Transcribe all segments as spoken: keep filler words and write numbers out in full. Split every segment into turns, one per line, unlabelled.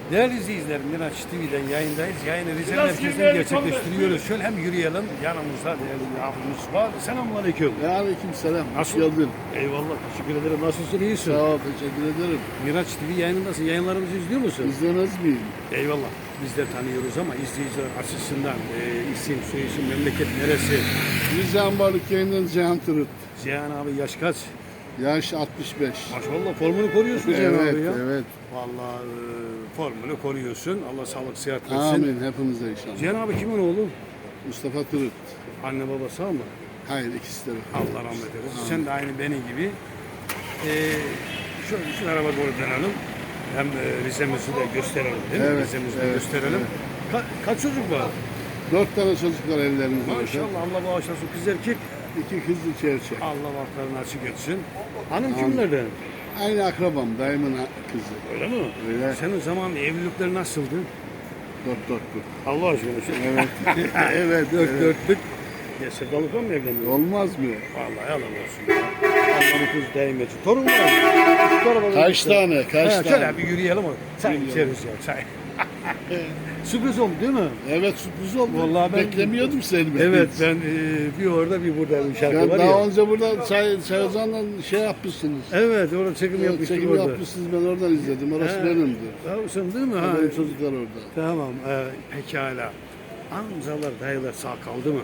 Değerli izleyiciler, Miraç T V'den yayındayız. Yayını Rize merkezden gerçekleştiriyoruz. Şöyle hem yürüyelim, yanımızda değerli bir abimiz var. Selamünaleyküm.
Aleyküm selam.
Nasıl?
Hoş geldin.
Eyvallah, teşekkür ederim. Nasılsın, iyisin?
Sağ ol, teşekkür ederim.
Miraç T V yayınındasın. Yayınlarımızı izliyor musun?
İzlemez miyim?
Eyvallah. Biz de tanıyoruz ama izleyiciler açısından e, isim, soyisim, memleket neresi?
Rize Ambarlık yayından Cihan Tırıt.
Cihan abi yaş kaç?
Yaş altmış beş.
Maşallah formunu koruyorsun Cihan
Evet,
abi ya.
evet.
Vallahi e, formunu koruyorsun. Allah sağlık, sıhhat versin.
Amin hepimize inşallah.
Cihan abi kimin oğlu?
Mustafa Tırıt.
Anne baba sağ mı?
Hayır, ikisi de.
Allah rahmet eylesin. Sen de aynı benim gibi. Ee, şu, şu araba doğru dönelim. Hem e, Rize'mizi de gösterelim değil mi?
Evet,
Rize'mizi de
evet,
gösterelim.
evet.
Ka- kaç çocuk var?
Dört tane çocuk var ellerinizde.
Maşallah Allah bağışlasın. Kız erkek.
İki kız, iki erkek.
Allah bahtlarını açık etsin. Hanım kimlerden?
Aynı akrabam, dayımın kızı.
Öyle mi?
Öyle.
Senin zaman evlilikler nasıldı?
Dört dörtlük.
Allah aşkına. Şu...
Evet. evet,
Dört
evet.
dörtlük. Ya sevdalıkla mı evleniyor?
Olmaz mı?
Vallahi yalan olsun. Ya. Allah'ın kız değmeci. Torun var mı? Şu arabaları
Kaç
göster.
tane, kaç
Ha,
tane?
şöyle bir yürüyelim. o. Çay
Yürüyelim.
içeriz ya çay. Sürpriz oldu değil mi?
Evet, sürpriz oldu.
Vallahi ben-
Beklemiyordum seni.
Evet ben e, bir orada bir burada bir şarkı
Ben
var
daha
ya.
önce burada Çay, Çayozan'la şey yapmışsınız.
Evet orada çekim
Evet,
yapmıştık
çekim
orada.
yapmışsınız, ben oradan izledim. Orası
He.
benimdi.
Ha, sen değil mi? Ha,
Benim çocuklar orada.
Tamam e, pekala. Amcalar dayılar sağ kaldı mı?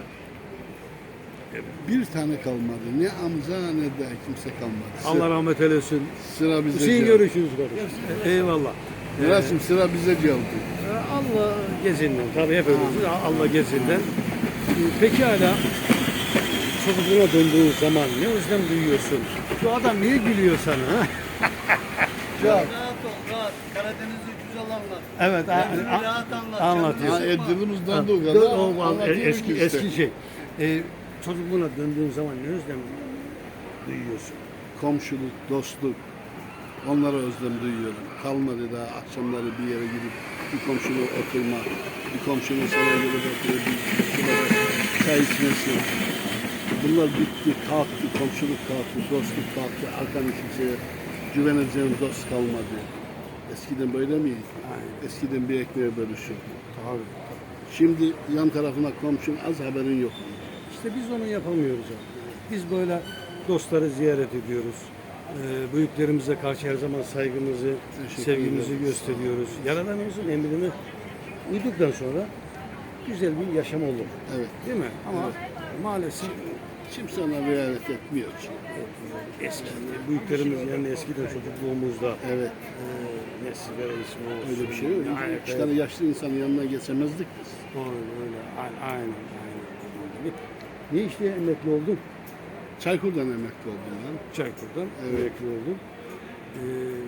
Bir tane kalmadı. Ne amca ne de kimse kalmadı. Sıra,
Allah rahmet eylesin.
sıra bize
Hüseyin
geldi.
görüşürüz kardeşim. Eyvallah.
Miraç'ım sıra bize geldi.
E, Allah gezinden. Tabii hep öyle. Allah gezinden. E, Pekala. Çocukluğuna döndüğün zaman ne özlem duyuyorsun? Şu adam niye gülüyor sana? Ha?
Rahat ol, rahat. Karadeniz'i güzel anlat.
Evet, a-
Kendini
a-
rahat anlat.
anlatıyor.
Ha,
Canını sıkma.
Edilimiz donduğu
Ha,
kadar
o- o-
anlatıyoruz
eski
işte.
eski şey. E, çocukluğuna döndüğün zaman ne özlem duyuyorsun?
Komşuluk, dostluk. Onlara özlem duyuyorum. Kalmadı daha akşamları bir yere gidip bir komşuyla oturmak, bir komşunun sana gelip oturup bir bir çay içmesi. Bunlar bitti, kalktı, komşuluk kalktı, dostluk kalktı, arkanı kimseye güveneceğin dost kalmadı. Eskiden böyle miydi?
Aynen.
Eskiden bir ekmeğe bölüşürdü.
Tabii.
Şimdi yan tarafına komşun az haberin yok.
İşte biz onu yapamıyoruz abi. Biz böyle dostları ziyaret ediyoruz. Ee, büyüklerimize karşı her zaman saygımızı,
Teşekkür
sevgimizi
ederim.
gösteriyoruz. Yaradanımızın emrine uyduktan sonra güzel bir yaşam olur.
Evet.
Değil mi? Ama maalesef
Kimse ona riayet etmiyor ki.
eski büyüklerimiz yani eskiden çocukluğumuzda
Evet.
e, nesilere ismi olsun.
Öyle bir şey yok.
Aynen,
İki tane yaşlı insanın yanına geçemezdik biz.
Öyle öyle. Aynen. aynen, aynen. Ne işle emekli oldun?
Çaykur'dan emekli oldum ben.
Çaykur'dan
Evet.
emekli oldum. Ee,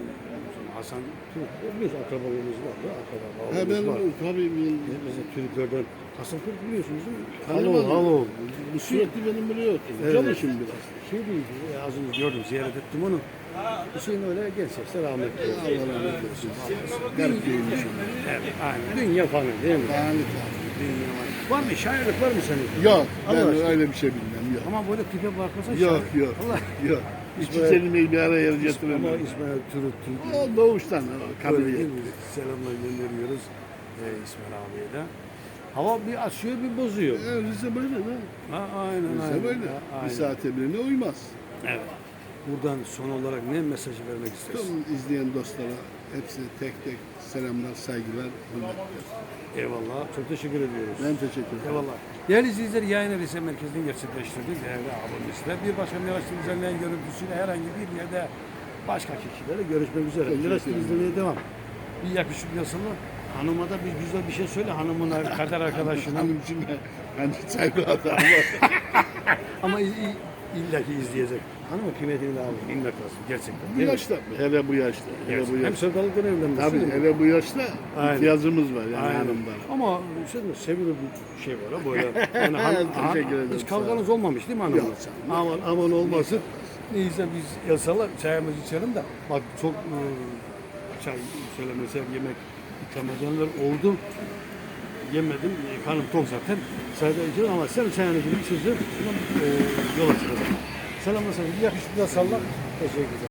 Hasan Türk, biliyorsun akrabalarımız var da
He
akrabalarımız
ben
var.
tabii ben
Mesela Türklerden Hasan Türk biliyorsunuz değil mi?
Tanımadım.
Halo, halo.
bu sürekli benim biliyorsun.
Evet.
Çalışın biraz.
Şey değil, e, az önce gördüm, ziyaret ettim onu. Hüseyin öyle gerçekten rahmetli. olsun.
Allah rahmet eylesin. Garip değilmişim.
Evet, aynen. Dünya fanı değil mi?
Yani tabii.
Dünya fanı. Var mı? Şairlik var mı senin?
Yok ben
Allah aşkına.
öyle bir şey bilmem. Yok.
Ama böyle tipe bakmasan
Yok
şair.
yok.
Allah.
Yok. İki
İsmail-
kelimeyi bir araya
Ama
getiremem.
İsmail Türk, Türk.
O doğuştan. o
Öyle
Kabiliyet.
değil mi? Selamlar gönderiyoruz e, İsmail abiye de. Hava bir açıyor bir bozuyor.
E, Rize böyle ne?
Ha, aynen
Rize
aynen.
böyle.
Ha,
Bir
aynen.
saate birine uymaz.
Evet. Buradan son olarak ne mesajı vermek istersin?
Tüm izleyen dostlara hepsine tek tek selamlar, saygılar, hürmetler.
Eyvallah. Çok teşekkür ediyoruz.
Ben teşekkür ederim.
Eyvallah. Değerli izleyiciler, yayını Rize Merkezi'nden gerçekleştirdik. Değerli abimizle bir başka Miraç T V düzenleyen görüntüsüyle herhangi bir yerde başka kişilerle görüşmek üzere.
Teşekkür
Miraç T V
ederim.
izlemeye devam. Bir yakışıklı yazılı. Hanıma da bir güzel bir şey söyle. Hanımın kader arkadaşına.
Hanım için hani saygı adam.
Ama i- i- illa ki izleyecek. Hanımın kıymetini de alın. Bilmek lazım gerçekten.
Bu
değil mi?
yaşta, hele bu yaşta, hele bu
Hem
yaşta.
sevdalıktan evlenmişsin.
Tabii
değil mi?
hele bu yaşta
Aynen.
ihtiyacımız var yani
Aynen.
hanımdan.
Ama sen de sevilir bir şey var ha böyle. Yani hanım,
Teşekkür ederim,
hiç
sağ
kavganız
ol.
olmamış değil mi hanımla?
Yok, canım.
Aman aman olmasın. Neyse biz yasalar çayımızı içelim de bak çok e, çay söylemesel yemek ikram edenler oldu. Yemedim. E, karnım tok zaten. Çayda içelim ama sen çayını gibi içeceğim. E, yola çıkacağım. Selamlar sana. Bir yakışıklı salla. Teşekkür ederim.